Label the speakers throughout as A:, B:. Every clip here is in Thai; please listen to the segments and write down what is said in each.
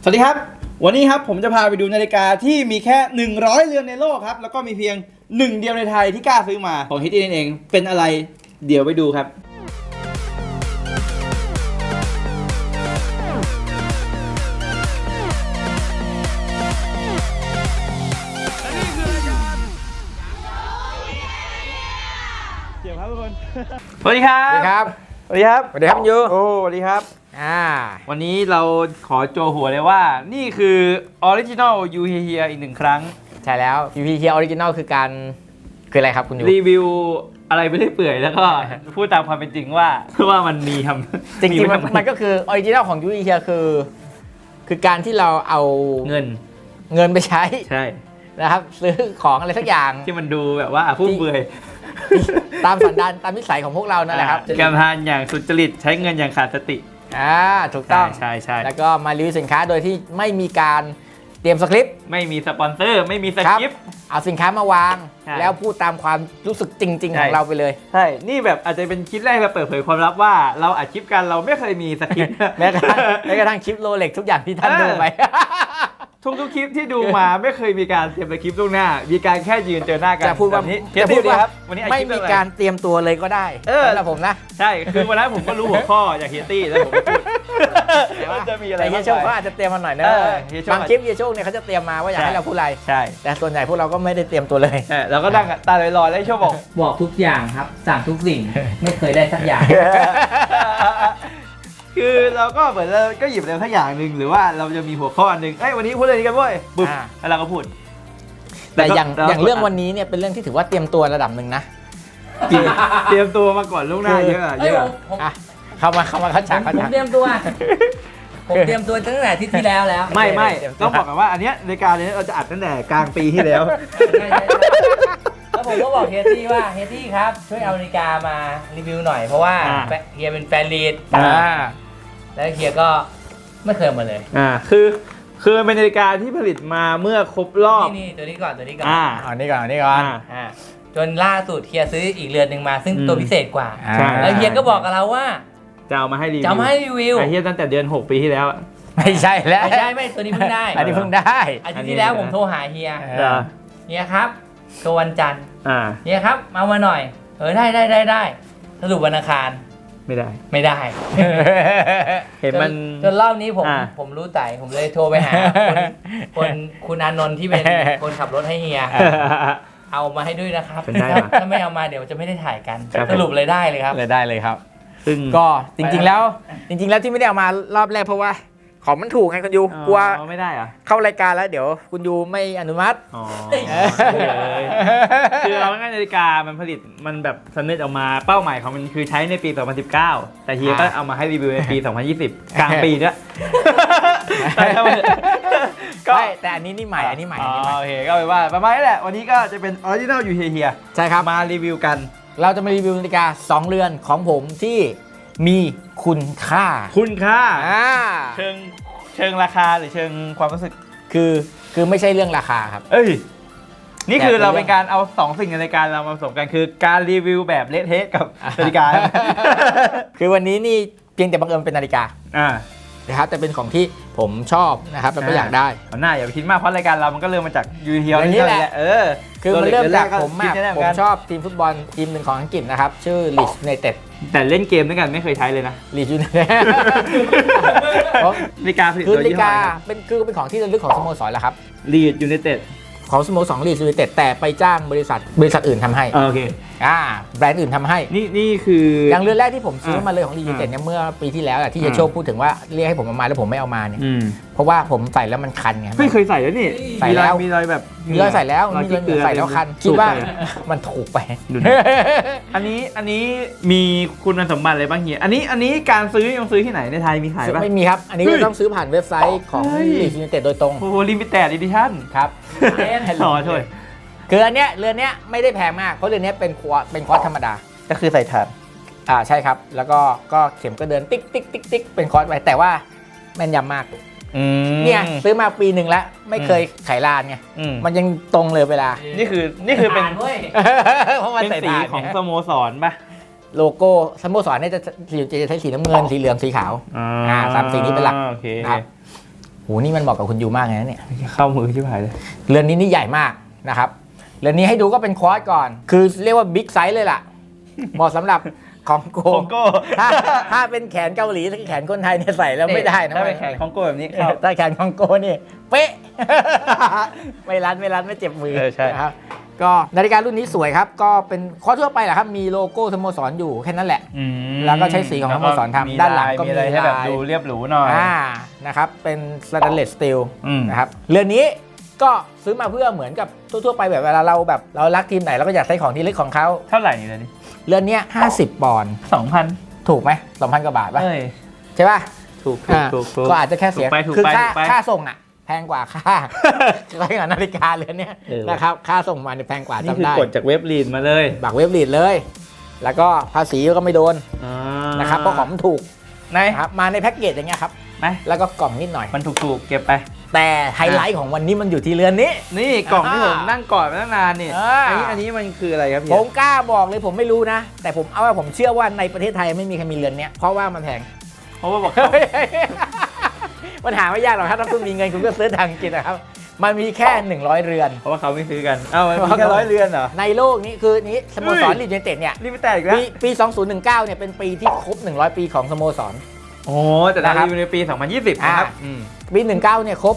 A: สวัสดีครับวันนี้ครับผมจะพาไปดูนาฬิกาที่มีแค่100เรือนในโลกครับแล้วก็มีเพียง1เดียวในไทยที่กล้าซื้อมาของฮิตตี้เองเป็นอะไรเดี๋ยวไปดูครับเดี๋ยวครับทุกคนสวัสดีครับสวัสดีครับ
B: สวัสดีครับยู
A: โอ้สวัสดีครับวันนี้เราขอโจหัวเลยว่านี่คือออริจินอลยูเฮียอีก1ครั้ง
B: ใช่แล้ว UPK Original คืออะไรครับคุณยู
A: รีวิวอะไรไม่ได้เปื่อยแล้วก็พูดตามความเป็นจริงว่ามันมีทำ
B: จริงๆมันก็คือ Original ของ UPK คือการที่เราเอา
A: เงิน
B: ไปใช้นะครับซื้อของอะไรสักอย่าง
A: ที่มันดูแบบว่าฟุ่มเฟือย
B: ตามสันดานตามนิสัยของพวกเรานั่นแหละครับ
A: การทานอย่างสุจริตใช้เงินอย่างขาดสติ
B: ถูกต้อง
A: ใช่
B: แล้วก็มารีวิวสินค้าโดยที่ไม่มีการเตรียมสคริปต์
A: ไม่มีสปอนเซอร์ไม่มีสคริปต์
B: เอาสินค้ามาวางแล้วพูดตามความรู้สึกจริงๆของเราไปเลย
A: ใช่นี่แบบอาจจะเป็นคลิปแรกเราเปิดเผยความลับว่าเราอัดคลิปกันเราไม่เคยมีสคริปต์
B: แม้กระทั่งคลิปโรเล็กทุกอย่างที่ท่านดูไป
A: ทุกคลิปที่ดูมาไม่เคยมีการเตรียมสคริปต์ล่วงหน้ามีการแค่ยืนเจอหน้ากัน
B: จะพูดว่า
A: วันนี้
B: ไม่มีการเตรียมตัวเลยก็ได้สำหรับผมนะ
A: ใช่คือวันนั้นผมก็รู้หัวข้อจากเฮียตี้แล้วผมก็พูด
B: จะมีอะไรเฮียโชคก็อาจจะเตรียมมาหน่อยนะบางคลิปเฮียโชคเนี่ยเขาจะเตรียมมาว่าอยากให้เราพูดอะไร
A: ใช่
B: แต่ส่วนใหญ่พวกเราก็ไม่ได้เตรียมตัวเลย
A: เราก็นั่งตาลอยๆแล้วโชค
C: บอกทุกอย่างครับสั่งทุกสิ่งไม่เคยได้สักอย่าง
A: คือเราก็เหมือนเราก็หยิบอะไรสักอย่างหนึ่งหรือว่าเราจะมีหัวข้อหนึ่งวันนี้พูดอะไรกันเว้ยปุ๊บแล้วเราก็พูด
B: แต่อย่างเรื่องวันนี้เนี่ยเป็นเรื่องที่ถือว่าเตรียมตัวระดับหนึ่งนะ
A: เตรียมตัวมาก่อนล่วงหน้าเยอะ
B: เข้ามาเขาฉาก
C: ผมเตรียมตัวผมเตรียมตัวตั้งแต่ที่แล้ว
A: ไม่ต้องบอกกันว่าอันเนี้ยในการนี้เราจะอัดตั้งแต่กลางปีที่แล้ว
C: แล้วผมก็บอกเฮียตี้ว่าเฮียตี้ครับช่วยเอานาฬิกามารีวิวหน่อยเพราะว่าเฮียเป็นแฟนลีดแล้วเฮียก็ไม่เคยมาเลย
A: คือเป็นนาฬิกาที่ผลิตมาเมื่อครบรอบ
C: นี่ตัวนี้ก่อน
B: อันนี้ก่อน
C: จนล่าสุดเฮียซื้ออีกเรือนหนึ่งมาซึ่งตัวพิเศษกว่าแล้วเฮียก็บอกกับเราว่า
A: จะเอามาให้รีวิ
C: ว
A: เฮียตั้งแต่เดือน6 ปีที่แล้ว
B: ไม่ใช่แล้ว
C: ไม่ตัวนี้เพิ่งได้
B: อันนี้เพิ่งได้
C: อาทิตย์ที่แล้วผมโทรหาเฮียครับตัววันจันทร์เฮียครับมาหน่อยได้สรุปวันอังคาร
A: ไม่ได้เห็นมัน
C: จนรอบนี้ผมรู้ใจผมเลยโทรไปหาคุณอานนท์ที่เป็นคนขับรถให้เฮียเอามาให้ด้วยนะครับถ้าไม่เอามาเดี๋ยวจะไม่ได้ถ่ายกันสรุปเลยได้เลยครับ
B: ซึ่งก็จริงๆแล้วที่ไม่ได้เอามารอบแรกเพราะว่าของมันถูกไงคุณยูกลัว
A: ไม่ได้อะ
B: เข้ารายการแล้วเดี๋ยวคุณยูไม่อนุมัติ
A: คือเราง่ายนาฬิกามันผลิตมันแบบสำเร็จออกมาเป้าหมายของมันคือใช้ในปี 2019 แต่เฮียก็เอามาให้รีวิวในปี 2020 กลางปีด้วย
B: แต่อันนี้ใหม่
A: โอเคก็เป็นว่าประมาณนี้แหละวันนี้ก็จะเป็นออริจินอลยูเฮีย
B: ใช่ครับ
A: มารีวิวกัน
B: เราจะมารีวิวนาฬิกา2เรือนของผมที่มีคุณค่า
A: เชิงราคาหรือเชิงความรู้สึก
B: คือไม่ใช่เรื่องราคาครับ
A: นี่คือเราเป็นการเอา2สิ่งในรายการเรามาผสมกันคือการรีวิวแบบเละเทะกับนาฬิกา
B: คือวันนี้นี่เพียงแต่บังเอิญเป็นนาฬิกานะครับแต่เป็นของที่ผมชอบนะครับแล้วก็อยากได้
A: หน้าอย่าไปคิดมากเพราะรายการเรามันก็เริ่มมาจากยูเฮีย
B: นี่แหละคือมันเริ่มจากผมชอบทีมฟุตบอลทีมหนึ่งของอังกฤษนะครับชื่อลีดส์ยูไนเต็ด
A: แต่เล่นเกมด้วยกันไม่เคยใช้เลยนะ
B: ลีดส์ยูไนเต็ด
A: นาฬิกาผลิตโดย
B: นาฬิกาเป็นของที่ระลึกของสโมสรแหละครับ
A: ลีดส์ยูไนเต็ด
B: ของสโมสรลีดส์ยูไนเต็ดแต่ไปจ้างบริษัทอื่นทำให้
A: โอเค
B: แบรนด์อื่นทำให้
A: นี่คือ
B: อย่างเรือนแรกที่ผมซื้อมาเลยของลีดส์ยูไนเต็ดเนี่ยเมื่อปีที่แล้วที่เฮียโชคพูดถึงว่าเรียกให้ผมเอามาแล้วผมไม่เอามาเนี่ยเพราะว่าผมใส่แล้วมันคันไง
A: ไม่เคยใส่แล้วนี่
B: ใส่แล้ว
A: มีรอยแบบ
B: มีรอยใส่แล้วใส่แล้วคันคิดว่ามันถูกไป
A: อันนี้มีคุณสมบัติอะไรบ้างเฮียอันนี้การซื้อยังซื้อที่ไหนในไทยมีขายป่ะ
B: ไม่มีครับอันนี้ก็ต้องซื้อผ่านเว็บไซต์ของลีดส์ยูไนเต็ดโดยตรง
A: โอ้โหลิมิเต็ดอีดิชั่น
B: ครับ
A: ช่วย
B: คืออันเนี้ยเรือนเนี้ยไม่ได้แพงมากเพราะเรือนเนี้ยเป็นคอร์สธรรมดา
A: ก็คือใส่ถ่าน
B: ใช่ครับแล้วก็เข็มก็เดินติ๊กเป็นคอร์สไปแต่ว่าแม่นยำมากเนี่ยซื้อมาปีหนึ่งแล้วไม่เคยไขลานไงมันยังตรงเลยเวลา
A: นี่คือเป็นสีของสโมสรป่ะ
B: โลโก้สโมสรเนี่ยจะใช้สีน้ำเงินสีเหลืองสีขาว3 สีนี้เป็นหลักนะครับโหนี่มันเหมาะกับคุณยูมากเลยนะเนี่ย
A: เข้ามือชิบหายเลย
B: เรือนนี้นี่ใหญ่มากนะครับเรือนนี้ให้ดูก็เป็นควอดก่อน คือเรียกว่าบิ๊กไซส์เลยล่ะ เหมาะสำหรับของโก
A: คองโก้
B: ถ้าเป็นแขนเกาหลีถ้าแขนคนไทยเนี่ยใส่แล้วไม่ได้นะ
A: ถ้าเป็นแขนคองโก้แบบนี้เข้า
B: ถ้าแขนของโกนี่เป๊ะ ไม่รัดไม่เจ็บมือ
A: ใช่
B: นะครับก็นาฬิการุ่นนี้สวยครับ ก็เป็นควอดทั่วไปแหละครับมีโลโก้สโมสรอยู่แค่นั้นแหละ แล้วก็ใช้สีของสโมสรทำด้านหลังก็มี
A: อะไรให้แบบ
B: ลาย
A: ดูเรียบหรูหน่อย
B: นะครับเป็นสแตนเลสสตีล
A: อืม
B: นะครับเรือนนี้ก็ซื้อมาเพื่อเหมือนกับทั่วๆไปแบบเวลาเราแบบเรารักทีมไหนเราก็อยากใช้ของที่เล็กของเขา
A: เท่าไหร่นี่เลยนี่
B: เรือนเนี้ย50 ปอนด์
A: 2,000
B: ถูกไหม 2,000 กว่าบาทป่ะ
A: เอ้ย
B: ใช่ป่ะ
A: ถูก
B: อ่า
A: ถูก
B: ก็อาจจะแค่เสีย
A: ถูกไปถูก
B: คือ
A: ไป
B: ค่า
A: ถูกไป
B: ค่าส่งอ่ะแพงกว่าค่า ค่านาฬิกาเรือนเนี้ย
A: เออ
B: นะครับค่าส่งมาเนี่ยแพงกว่า
A: นี่
B: จำ
A: คือ
B: ได้
A: กดจากเว็บลีนมาเลย
B: บักเว็บลีดเลย แล้วก็ภาษีก็ไม่โดน
A: อ่า
B: นะครับเพราะของมันถูก
A: ไหน
B: นะครับมาในแพ็กเกจอย่างเงี้ยครับ
A: ไหน
B: แล้วก็กล่องนิดหน่อย
A: มันถูกๆเก็บไป
B: แต่ไฮไลท์ของวันนี้มันอยู่ที่เรือนนี้
A: นี่กล่องที่ผมนั่งกอดมาตั้งนานนี่
B: อ่า
A: อันนี้มันคืออะไรครับ
B: ผ
A: พี่
B: มกล้าบอกเลยผมไม่รู้นะ แต่ผมเอาว่าผมเชื่อว่าในประเทศไทยไม่มีใครมีเรือนเนี้ยเพราะว่ามันแพง
A: เพราะว่าบอก
B: มันหาไม่ยากหรอกถ้าคุณมีเงินคุณก็ซื้อทางกินนะครับ มันมีแค่ 100 เรือน
A: เพราะว่าเขาไม่ซื้อกันเอ้ามันมีแค่100 เรือนเหรอ
B: ในโลกนี้คือนี้สโมสร
A: เฮ้ย
B: ลีดยูไนเต็ดเนี่ย
A: รีบไปแตกอีกแล้ว
B: ปี 2019 เนี่ยเป็นปีที่ครบ 100 ปีของสโมสร
A: โอ้แต่ดา
B: นะครับ
A: รีอยู่ในปี 2020 นะครับ
B: ปี 19 เนี่ยครบ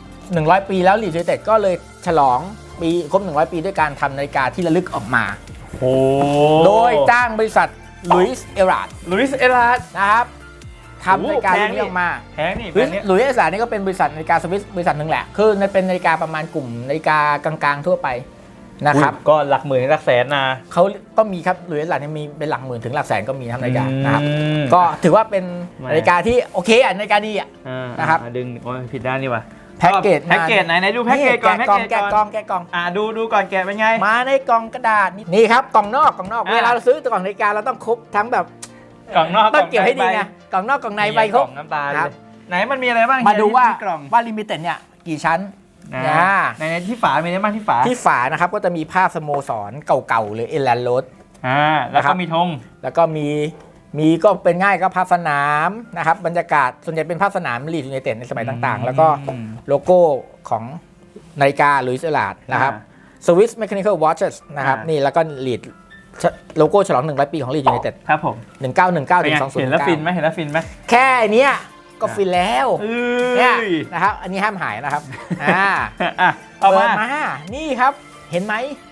B: 100 ปีแล้วลีดยูไนเต็ดก็เลยฉลองปีครบ 100 ปีด้วยการทำนาฬิกาที่ระลึกออกมา
A: โอ้
B: โดยจ้างบริษัทลุยส์เอราร์ด
A: ลุยส์เอลาร์ด
B: นะครับทำนาฬิกา
A: โอ้
B: รุ่น
A: แพงนี่
B: นี้ออกมา
A: แพงนี่
B: ห
A: แบ
B: รือ
A: บนี้
B: หลุยส์เอสานี่ก็เป็นบริษัทนาฬิกาสวิสบริษัทหนึ่งแหละ คือมันเป็นนาฬิกาประมาณกลุ่มนาฬิกากลางๆทั่วไปนะครับ
A: อุ๊ยก็หลักหมื่นหลักแสนนะ
B: เขาก็มีครับหลุยส์เอสานี่มีเป็นหลักหมื่นถึงหลักแสนก็มีทำนาฬิกานะครับ
A: อืม
B: ก็ถือว่าเป็น
A: แหม
B: นาฬิกาที่โอเคอ่ะนาฬิกาดีอ่ะ นะครับ
A: ดึงโอ้ยผิดด้านนี่ว่ะ
B: แพ็กเกจ
A: แพ็กเกจไหนดูแพ็กเกจก่อน
B: แกะกล่องแกะกล่องแกะกล่อง
A: ดูก่อนแกะเป็นไง
B: มาในกล่องกระดาษนี่ครับกล่องนอกเวลาเราซื้อกล่องนาฬิกาเราต้องครบทั้งแบบ
A: กล่องนอก
B: ต้องเก็บให้ดีไงกล่องนอกกล่องในใบคร
A: ก
B: บ
A: ล่องน้ำตาล
B: ครับ
A: ไหนมันมีอะไรบ้าง
B: มาดูว่า
A: ที่กล่อง
B: ว่าลิมิเต็ดเนี่ยกี่ชั้น
A: ในที่ฝามีอะไรบ้างที่ฝา
B: ที่ฝานะครับก็จะมีภาพสโมสรเก่าๆหรือเอแลนโรด
A: แล้ว
B: นะครั
A: ก็
B: บ
A: มีธง
B: แล้วก็มีก็เป็นง่ายก็ภาพสนามนะครับบรรยากาศส่วนใหญ่เป็นภาพสนามลีดยูไนเต็ดในสมัยต่างๆ แล้วก็โลโก้ของนาฬิกาลุยส์เอลาร์ดนะครับสวิสเมคานิคอลวอชเชสนะครับนี่แล้วก็ลีดโลโก้ฉลอง100 ปีของลีดยูไนเต็ด
A: ครับผม
B: 1919
A: เป็น
B: ถึ
A: ไง
B: ง
A: เห็นแล้วฟิน
B: 2019
A: ไหมเห็นแล้วฟินไหม
B: แค่เนี้ยก็ฟินแล้ว
A: เอ้
B: เนี่ย
A: ย
B: นะครับอันนี้ห้ามหายนะครับ
A: เอา
B: เปิ
A: มา
B: ดมานี่ครับเห็นไหม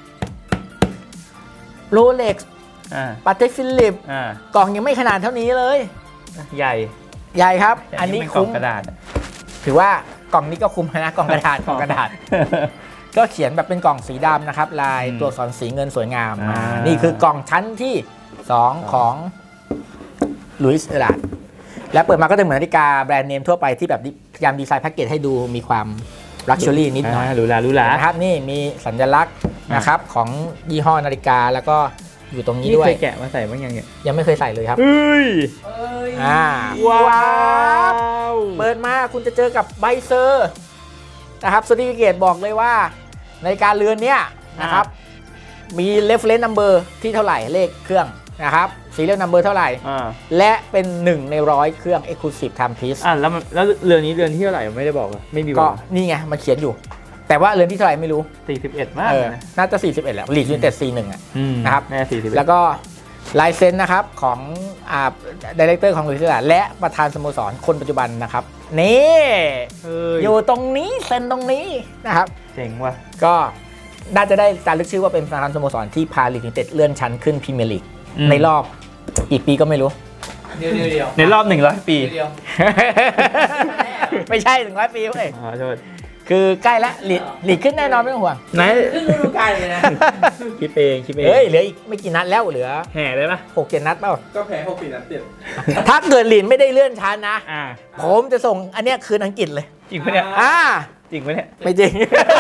B: โรเล็กซ์ ปาเต้ฟิลิปกล่องยังไม่ขนาดเท่านี้เลย
A: ใหญ่
B: ใหญ่ครับ อันนี้
A: เป็นกล่อ
B: คุ้
A: ง
B: ม
A: กระดาษ
B: ถือว่ากล่องนี้ก็คุ้มนะกล่องกระดาษกล่องกระดาษ ก็เขียนแบบเป็นกล่องสีดำนะครับ ลาย
A: อืม
B: ตัวอักษรสีเงินสวยงาม
A: อ่า
B: นี่คือกล่องชั้นที่ 2 ของลุยส์เอลาร์ดและเปิดมาก็จะเหมือนนาฬิกาแบรนด์เนมทั่วไปที่แบบพยายามดีไซน์แพ็กเกจให้ดูมีความลักชัวรี่นิดหน่อย
A: หรูหราหรูหรา
B: นะครับนี่มีสัญลักษณ์นะครับของยี่ห้อนาฬิกาแล้วก็อยู่ตรงนี้
A: นี่
B: ด้วย
A: เคยแกะมาใส่บ้างยังเนี่ย
B: ยังไม่เคยใส่เลยครับ
A: เฮ้ย
B: ว้าวเปิดมาคุณจะเจอกับใบเซอร์นะครับสติฟิเคตบอกเลยว่าในการเรือนเนี้ยนะครับมี reference number ที่เท่าไหร่เลขเครื่องนะครับ serial number เท่าไหร่ และเป็น1 ใน 100 เครื่อง exclusive timepiece
A: แล้วเรือนนี้เรือนที่เท่าไหร่ไม่ได้บอกอะไม่มีบ
B: ก็
A: อก
B: นี่ไงมันเขียนอยู่ แต่ว่าเรือนที่เท่าไหร่ไม่รู้
A: 41 มาก นะ
B: น่าจะ 41 แหละลีดยูไนเต็ด 41 อ่ะ นะครับ
A: แน่41
B: แล้วก็ลายเซ็นนะครับของดีเรคเตอร์ของลุยส์เอลาร์ดและประธานสโมสรคนปัจจุบันนะครับ นี่ อยู่ตรงนี้เซ็นตรงนี้นะครับ
A: เจ๋งว่ะ
B: ก็น่าจะได้การลึกชื่อว่าเป็นประธานสโมสรที่พาลีดยูไนเต็ดเลื่อนชั้นขึ้นพรีเมียร์ลีกในรอบกี่ปีก็ไม่รู้
C: เดียว
A: ในรอบ100 ปี
C: เดียว
B: ไม่ใช่100 ปีเว้ย
A: ขอโทษ
B: คือใกล้แล้วลีดขึ้นแน่นอนไม่ต้องห่วง
A: ไหน
C: ขึ้นฤดูกาลเลยนะ
A: คิดเองคิดเอง
B: เฮ้ยเหลืออีกไม่กี่นัดแล้วเหลือ
A: แห่เลยปะ
B: 6-7 นัดเปล่า
D: ก็แพ้6-4 นัดติด
B: ถ้าเกิดลีดไม่ได้เลื่อนชั้นนะ
A: อ่า
B: ผมจะส่งอันเนี้ยคืนอังกฤษเลย
A: จริงปะเนี่ย จริงปะเนี่ย
B: ไม่จริง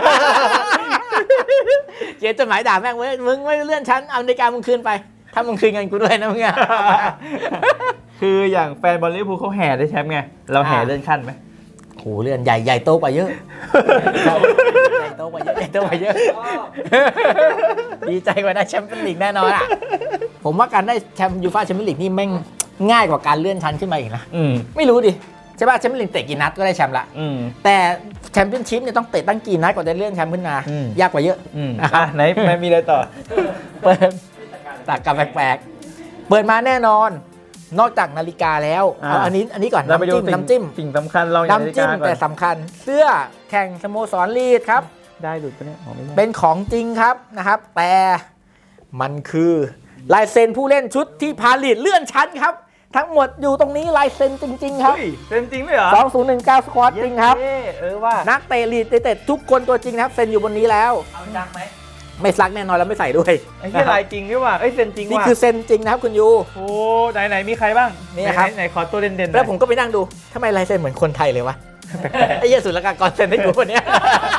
B: เขียนจดหมายด่าแม่งเว้ยมึงไม่เลื่อนชั้นเอานาฬิกามึงคืนไป ถ้ามึงคืนเงินกูด้วยนะมึงอะ
A: คืออย่างแฟนบอลลิเวอร์พูลเขาแห่ได้แชมป์ไง เราแห่เลื่อนขั้นไหม
B: โหเลื่อนใหญ่โตกว่าเยอะ ใหญ่โตกว่าเยอะใหญ่โตกว่าเยอะ ดีใจกว่าได้แชมเปี้ยนลีกแน่นอนอ่ะ ผมว่าการได้แชมป์ยูฟ่าแชมเปี้ยนลีกนี่แม่งง่ายกว่าการเลื่อนชั้นขึ้นมาอีกนะ ไม่รู้ดิใช่ป่ะแชมเปี้ยนลีกเตะกี่นัดก็ได้แชมป์ละ แต่แชมเปี้ยนชิพเนี่ยต้องเตะตั้งกี่นัดกว่าจะเลื่อนแชมป์ขึ้นมา ยากกว่าเยอะ
A: ไหนมีอะไรต่อ
B: เปิดตักกับแปลกๆเปิดมาแน่นอน นอกจากนาฬิกาแล้วเอาอันนี้ก่อน
A: เราไปดู
B: น้ำจิ้ม
A: สิ่งสำคัญเรา
B: น้ำจิ้มแต่สำคัญเสื้อแข่งสโมสรลีดครับ
A: ได้หลุดปะเนี่ยไม่ได้
B: เป็นของจริงครับนะครับ แต่มันคือลายเซ็นผู้เล่นชุดที่พาลีดเลื่อนชั้นครับ ทั้งหมดอยู่ตรงนี้ลายเซ็นจริงๆครับ
A: เป็นจริงไหมเหรอ
B: 2019 สควอตจริงครับ
A: ว่า
B: นักเตะลีดเตะทุกคนตัวจริงนะครับเซ็นอยู่บนนี้แล้ว
C: เอาจักไหม
B: ไม่ซักแน่นอนแล้วไม่ใส่ด้วย
A: ไอ้ที่ลายจริงด้วยว่ะเซ็นจริงว่ะ
B: นี่คือเซ็นจริงนะครับคุณยู
A: โอ้ไหนมีใครบ้าง
B: นี่ครับ
A: ไหนขอตัวเด่นๆ
B: แล้วผมก็ไปนั่งดูทำไมลายเซ็นเหมือนคนไทยเลยวะ ไอ้เหี้ยสุลกากรเซ็นให้กูคนเนี้ย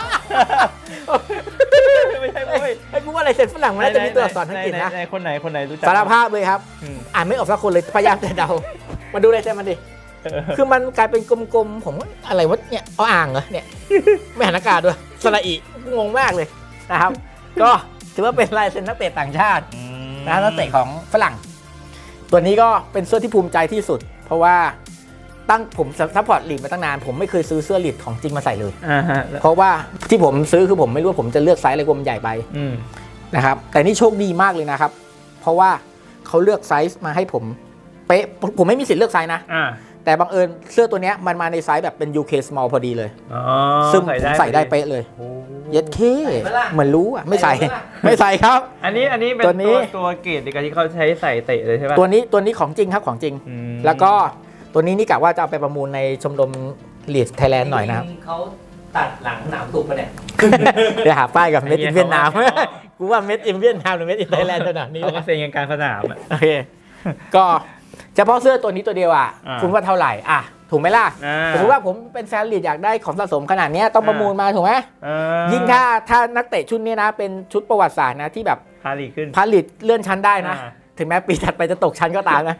A: ไม่ใช่เว้ย
B: ไอ้กูว่าลายเซ็นฝรั่งมันน่าจะมีตัวอักษรอังกฤษนะ
A: คนไหนรู้จัก
B: สารภาพเลยครับ อ่านไม่ออกสักคนเลยพยายามจะเดา มาดูลายเซ็นมันดิ คือมันกลายเป็นกลมๆผมว่าอะไรวะเนี่ยเอาอ่างเหรอเนี่ย ไม่หันอากาศด้วยสระอีงงมากเลยนะครับ ก็ถือว่าเป็นลายเซ็นนักเตะต่างชาตินะนักเตะของฝรั่ง ตัวนี้ก็เป็นเสื้อที่ภูมิใจที่สุด เพราะว่าตั้งผมซัพพอร์ตลีดมาตั้งนาน ผมไม่เคยซื้อเสื้อลีดของจริงมาใส่เลย เพราะว่าที่ผมซื้อคือผมไม่รู้ว่าผมจะเลือกไซส์อะไรกลัวมันใหญ่ไปนะครับแต่นี่โชคดีมากเลยนะครับ เพราะว่าเขาเลือกไซส์มาให้ผมเป๊ะผมไม่มีสิทธิ์เลือกไซส์นะแต่บังเอิญเสื้อตัวเนี้ยมันมาในไซส์แบบเป็น UK small พอดีเลยซึ่งผมใส่ได้เป๊ะเลยเย็ดเคเหมือนรู้อ่ะไม่ใส่ไม่ใส่ครับ
A: อันนี้เป็นตัวเกรดในการที่เขาใช้ใส่เตะเลยใช่ป่ะ
B: ตัวนี้ของจริงครับของจริงแล้วก็ตัวนี้นี่กะว่าจะเอาไปประมูลในชมรมลีดไทยแลนด์หน่อยนะครับ
C: เขาตัดหลังหนามตุกปะเนี่ย
B: เดี๋ยวหาป้ายกับเม็ดอินเวียดนามกูว่าเม็ดอินเวียดนามหรือเม็ดอินไทยแลนด์ขนาดนี้
A: เขาก็เซ็นกันกลางสนามอ่ะ
B: โอเคก็เฉพาะเสื้อตัวนี้ตัวเดียวอ่ะคุณว่าเท่าไหร่อ่ะถูกไหมล่ะสมมติว่าผมเป็นแฟนลีดอยากได้ของสะสมขนาดนี้ต้องประมูลมาถูกไหมยิ่งถ้านักเตะชุดนี้นะเป็นชุดประวัติศาสตร์นะที่แบบ
A: พาลีขึ้น
B: พาลีดเลื่อนชั้นได้นะถึงแม้ปีถัดไปจะตกชั้นก็ตามนะ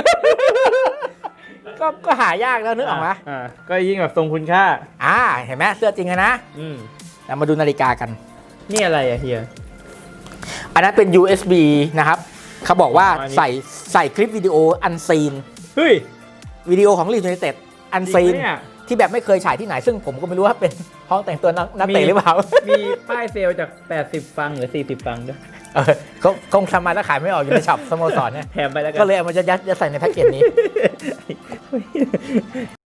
B: ก็หายากแล้วนึกออกไหม
A: ก็ยิ่งแบบทรงคุณค่า
B: เห็นไหมเสื้อจริงนะเรามาดูนาฬิกากัน
A: นี่อะไรอะเฮีย
B: อันนั้นเป็น USB นะครับเขาบอกว่าใส่คลิปวิดีโออันซีน
A: เฮ้ย
B: วิดีโอของลีดยูไนเต็ดอันซีนที่แบบไม่เคยฉายที่ไหนซึ่งผมก็ไม่รู้ว่าเป็นห้องแต่งตัวนักเตะหรือเปล่า
A: มีป้ายเซลจาก80ฟังหรือ40ฟังด้วย
B: เขาคงทำมาแล้วขายไม่ออกอยู่ในช็อปสโมสรเนี่ย
A: แถมไปแล้ว
B: ก็เลยเอามายัดใส่ในแพ็กเกจนี้